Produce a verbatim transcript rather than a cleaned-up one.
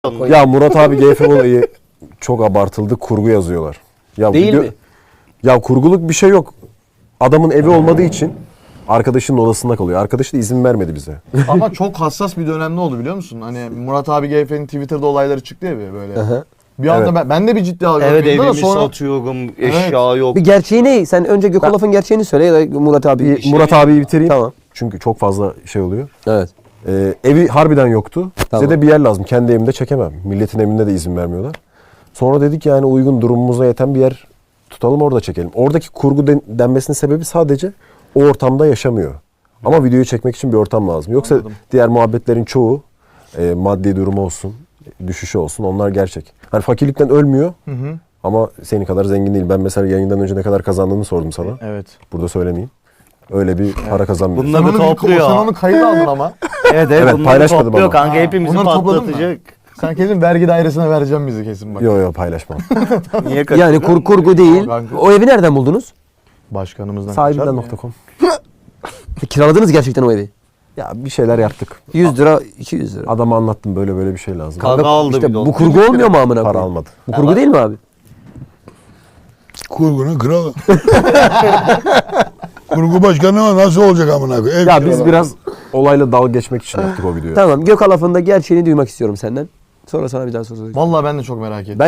Ya Murat abi G F olayı çok abartıldı. Kurgu yazıyorlar. Ya Değil video- mi? Ya kurguluk bir şey yok. Adamın evi olmadığı için arkadaşının odasında kalıyor. Arkadaşı da izin vermedi bize. Ama çok hassas bir dönemde oldu biliyor musun? Hani Murat abi G F'nin Twitter'da olayları çıktı ya böyle. Hı. Bir anda Evet. ben, ben de bir ciddi algıladım. Evet da evimi sonra satıyorum, eşya yok. Bir gerçeği ne? Sen önce Gökolaf'ın gerçeğini söyle ya da Murat abi. Bir Murat abiyi bitireyim. Tamam. Çünkü çok fazla şey oluyor. Evet. Ee, evi harbiden yoktu. Tamam. Bize de bir yer lazım. Kendi evimde çekemem. Milletin evinde de izin vermiyorlar. Sonra dedik yani uygun durumumuza yeten bir yer tutalım orada çekelim. Oradaki kurgu den- denmesinin sebebi sadece o ortamda yaşamıyor. Ama videoyu çekmek için bir ortam lazım. Yoksa Anladım. diğer muhabbetlerin çoğu e, maddi durumu olsun, düşüşü olsun onlar gerçek. Hani fakirlikten ölmüyor Hı hı. ama senin kadar zengin değil. Ben mesela yayından önce ne kadar kazandığını sordum sana. Evet. Burada söylemeyeyim. Öyle bir para kazanmıyor. Bunlar- Sen Bunları onu, bir, topluyor. sen onu kayıt aldın ama. Evet evet, Evet, bunları paylaşmadım topluyor ama. kanka, Ha, hepimizi bunları topladın mı? patlatacak. Sen kesin vergi dairesine vereceğim bizi kesin bak. Yok yok paylaşmam. Niye kaçırdın? Yani kur, kurgu değil. Kanka. O evi nereden buldunuz? Başkanımızdan Sahibinden nokta com. E, Kiraladınız gerçekten o evi. Ya bir şeyler yaptık. yüz lira, iki yüz lira. Adama anlattım böyle böyle bir şey lazım. Kanka aldı İşte bir de bu onu. kurgu olmuyor mu amına Para koyayım? almadı. Bu kurgu değil mi abi? Kurgunun kralı. Kurgu başkanı ama nasıl olacak amına koyayım? Ev Ya biz kiralar. biraz olayla dalga geçmek için yaptık o videoyu. Tamam, Gökalaf'ın da gerçeğini duymak istiyorum senden. Sonra sana bir daha soru soracağım. Vallahi ben de çok merak ettim.